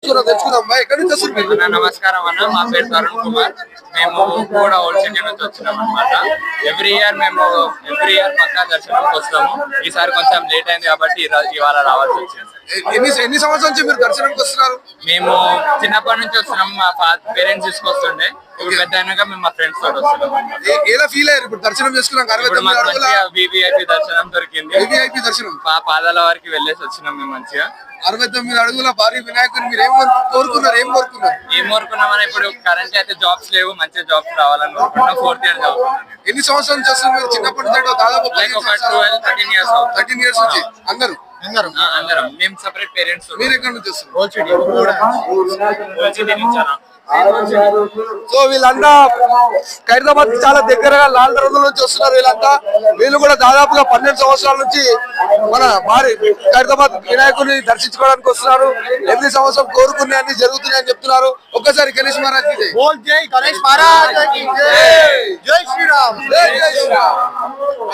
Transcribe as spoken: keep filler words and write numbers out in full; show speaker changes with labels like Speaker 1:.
Speaker 1: అన్న నమస్కారం అన్న, మా పేరు తరుణ్ కుమార్. మేము కూడా ఓల్డ్ సిటీ నుంచి వచ్చినాం అనమాట. ఎవ్రీ ఇయర్ మేము ఎవ్రీ ఇయర్ పక్కా దర్శనంకి వస్తాము. ఈసారి కొంచెం లేట్ అయింది కాబట్టి ఇవాళ రావాల్సి వచ్చింది.
Speaker 2: ఎన్ని ఎన్ని సంవత్సరాల నుంచి మీరు దర్శనంకి వస్తున్నారు?
Speaker 1: మేము చిన్నప్పటి నుంచి వస్తున్నాం, మా పేరెంట్స్ తీసుకొస్తుండే. ఇప్పుడు పెద్ద అయినాక మేము మా ఫ్రెండ్స్ తోటి వస్తున్నాం.
Speaker 2: ఎలా ఫీల్ అయ్యారు ఇప్పుడు దర్శనం చేసుకున్నాం?
Speaker 1: వివిఐపి దర్శనం దొరికింది.
Speaker 2: వివిఐపి దర్శనం
Speaker 1: మా పాదాల వారికి వెళ్ళేసి వచ్చినాం మేము మంచిగా.
Speaker 2: అరవై తొమ్మిది అడుగుల భారీ వినాయకుని మీరు ఏం కోరుకున్నారు? ఏం కోరుకున్నారు?
Speaker 1: ఏం కోరుకున్నామని ఇప్పుడు కరెంట్ అయితే జాబ్స్ లేవు, మంచి జాబ్స్ రావాలని కోరుకుంటున్నాం. Fourth year job.
Speaker 2: ఎన్ని సంవత్సరాల నుంచి వస్తున్నారు మీరు? చిన్నప్పటి నుంచి దాదాపు
Speaker 1: థర్టీన్ ఇయర్స్
Speaker 2: థర్టీన్ ఇయర్స్ నుంచి అందరూ
Speaker 1: అందరం మేము సెపరేట్ పేరెంట్స్.
Speaker 2: మీరు ఎక్కడ నుంచి వస్తున్నారు?
Speaker 3: సో వీళ్ళంతా ఖైరతాబాద్ చాలా దగ్గరగా లాల్ దర్వాజా నుంచి వస్తున్నారు. వీళ్ళంతా వీళ్ళు కూడా దాదాపుగా పన్నెండు సంవత్సరాల నుంచి మన భారీ ఖైరతాబాద్ వినాయకుడిని దర్శించుకోవడానికి వస్తున్నారు. ఎనిమిది సంవత్సరం కోరుకునే అన్ని జరుగుతున్నాయని చెప్తున్నారు. ఒక్కసారి గణేష్ మహారాజ్ కి జై.
Speaker 2: గణేష్ మహారాజ్ జై శ్రీరామ్.